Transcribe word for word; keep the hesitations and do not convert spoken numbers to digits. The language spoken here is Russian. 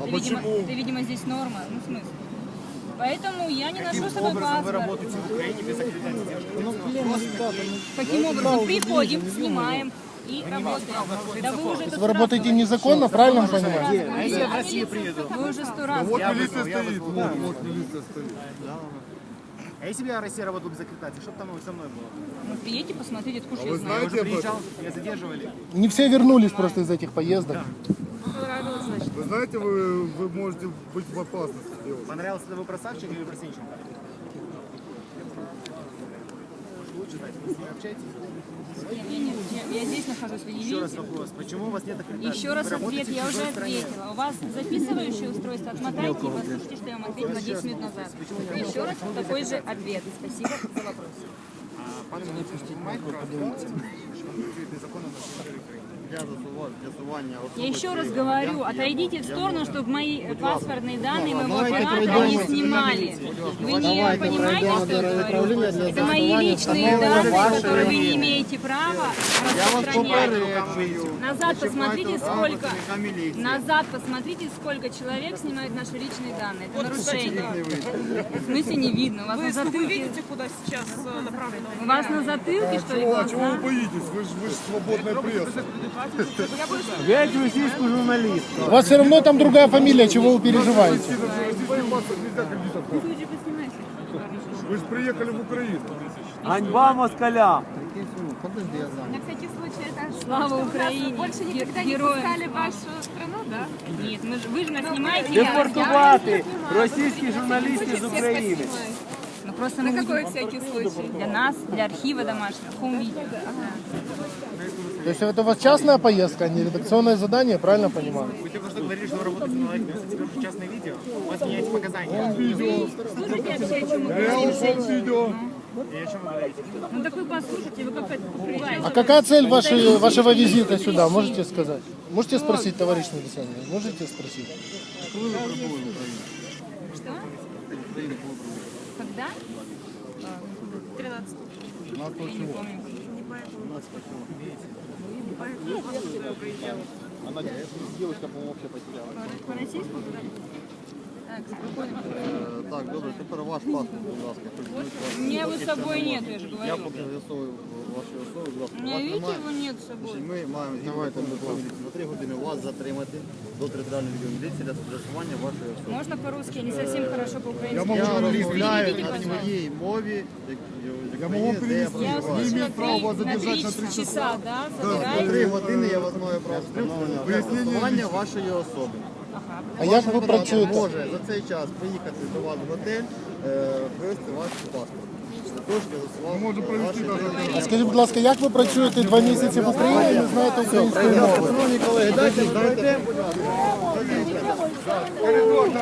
А это, видимо, почему? это, видимо, здесь норма, ну, в смысле. Поэтому я не ношу с собой Образом вы паспорт. работаете в Украине без аккредитации девушки? Каким образом? Приходим, снимаем и работаем. Да вы уже Вы работаете незаконно, правильно я понимаю? А если я в Россию приеду? Вы уже сто раз. Вот Я милиция вызвал, я стоит, вызвал, вот, да. вот милиция стоит. А если бы я в России работал без аккредитации, что бы там со мной было? Ну, приедьте, посмотрите, откуда А я вы знаю. Я знаете уже об этом? приезжал, меня задерживали. Не все вернулись просто из этих поездок. Вы знаете, вы, вы можете быть в опасности, девушка. Понравился это вы про Савченко или про Сенченко? Лучше дать, вы с ними общаетесь? Я, я- я- я здесь нахожусь, вы не Еще раз видите? вопрос, почему у вас нет аккредитации? Еще раз Вы работаете ответ, в я уже чужой стране. ответила. У вас записывающее устройство, отмотайте и послушайте, что я вам ответила десять минут назад. Еще раз такой же ответ. Спасибо за вопрос. Пан Мельницький, маєте право подивитися, що ви працюєте законно на території України? Для з'ясування Я еще раз говорю, отойдите в сторону, чтобы мои паспортные данные моего Давайте оператора не пройдем. снимали. Вы не Давайте понимаете, пройдем что я до говорю? управления для Это мои з'ясування личные встановлення данные, вашої которые вы не вини. имеете права Я вас распространять. попереджую. Назад посмотрите, сколько... працівника міліції. Назад посмотрите, сколько человек снимает наши личные данные. Это нарушение. В смысле не видно? У вас на затылке... видите, куда сейчас э, направлено? У вас на затылке, что ли, Чего, а чего вы глаза? боитесь? Вы же вы ж свободная пресса. Геть російську журналістку. У вас все равно там другая фамилия, чего вы переживаете? Нельзя кредитов. Вы же приехали в Украину. Ганьба москаля. На всякий случай, это Слава Украине! больше никогда Ге- не героям пускали в слава. вашу страну, да? Нет, мы же, вы же нас снимаете. я- Депортувати російських журналістів з України. Ну просто На мы какой будем- всякий случай? для нас, для архива домашнего, хом-видео. То есть это у вас частная поездка, а не редакционное задание, правильно понимаю? Вы только что говорили, что вы работаете на лайк, теперь уже частное видео. У вас меняете показания. Слушайте вообще, о чем мы Реал говорим. фон видео. И о чем вы говорите? Ну так вы послушайте, вы как это покрываете. А какая цель вашей, вашего визита сюда, можете сказать? Можете спросить, товарищ милиционер? Можете спросить? Что? Когда? тринадцать. Я не помню. Девушка, по-моему, вообще потеряла. По российскому? Так, спокойно. Так, добре, тепер ваш паспорт, будь ласка. У меня его с собой нет, я же Я говорю. з'ясовую ваші особи, будь ласка. У меня, Вас видите, немає? его нет с собой. Ми маємо давайте на три години вас затримати до територіальної відділу міліції для з'ясування вашої особи. Можно по-русски? Я не совсем хорошо по-украински. Я могу Я журналист. розмовляю Переведите, на пожалуйста. своїй мові, як- з Я могу України, де я перевести. Я проживаю. услышала имеет право вас три, на задержать три на три часа. часа, да? На Забираете? три години я вас маю право встановлення для Вияснення з'ясування вашої особи. А як ви Ваша працюєте? може за цей час приїхати до вас в готель, е, привезти ваш паспорт. Для того, щоб з'ясувати Може провести ваші навіть. А скажіть, будь ласка, як ви працюєте два місяці в Україні і не знаєте української мови? Шановні колеги, дайте, дайте, будь ласка.